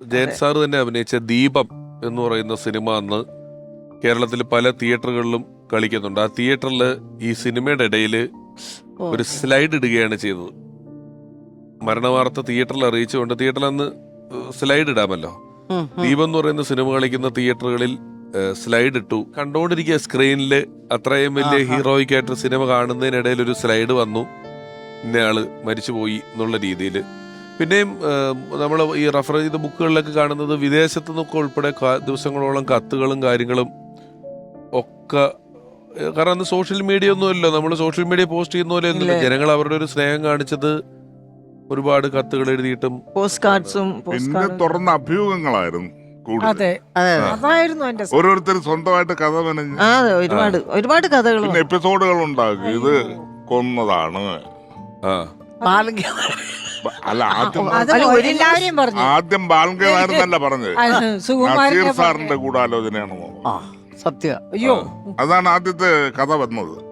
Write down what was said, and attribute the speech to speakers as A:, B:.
A: Jayan sir തന്നെ അഭിനയിച്ച ദീപം എന്ന് പറയുന്ന സിനിമ അന്ന് കേരളത്തിൽ പല തിയേറ്ററുകളിലും കളിക്കുന്നുണ്ട്. ആ തിയേറ്ററിൽ ഈ സിനിമയുടെ ഇടയിൽ ഒരു സ്ലൈഡ് ഇടുകയാണ് ചെയ്തത്. മരണവാർത്ത തിയേറ്ററിൽ അറിയിച്ചുകൊണ്ട് തിയേറ്ററിൽ അന്ന് സ്ലൈഡ് ഇടാമല്ലോ. ദീപം എന്ന് പറയുന്ന സിനിമ കളിക്കുന്ന തിയേറ്ററുകളിൽ സ്ലൈഡ് ഇട്ടു. കണ്ടോണ്ടിരിക്കുക സ്ക്രീനില് അത്രയും വലിയ ഹീറോയിക് ആയിട്ട് സിനിമ കാണുന്നതിനിടയിൽ ഒരു സ്ലൈഡ് വന്നു, ഇന്നയാള് മരിച്ചുപോയി എന്നുള്ള രീതിയിൽ. പിന്നെയും നമ്മൾ ഈ റെഫർ ചെയ്ത ബുക്കുകളിലൊക്കെ കാണുന്നത് വിദേശത്തു നിന്നൊക്കെ ഉൾപ്പെടെ ദിവസങ്ങളോളം കത്തുകളും കാര്യങ്ങളും ഒക്കെ. കാരണം അന്ന് സോഷ്യൽ മീഡിയ ഒന്നുമല്ലോ, നമ്മൾ സോഷ്യൽ മീഡിയ പോസ്റ്റ് ചെയ്യുന്ന പോലെ ഒന്നുമില്ല. ജനങ്ങൾ അവരുടെ ഒരു സ്നേഹം കാണിച്ചത് ഒരുപാട് കത്തുകൾ എഴുതിയിട്ടും
B: പോസ്റ്റ് കാർഡ്സും
C: പിന്നെ തുറന്ന അഭ്യൂഹങ്ങളായിരുന്നു.
B: അതായിരുന്നു
C: ഓരോരുത്തർ സ്വന്തമായിട്ട് കഥ മെനഞ്ഞ്
B: ഒരുപാട് കഥകൾ,
C: പിന്നെ എപ്പിസോഡുകൾ ഉണ്ടാക്കി. ഇത് കൊന്നതാണ്. അല്ല, ആദ്യം ബാലങ്കനാരെന്നല്ല പറഞ്ഞത്, നസീർ സാറിന്റെ ഗൂഢാലോചനയാണെന്നോ.
B: സത്യം. അയ്യോ,
C: അതാണ് ആദ്യത്തെ കഥ വന്നത്.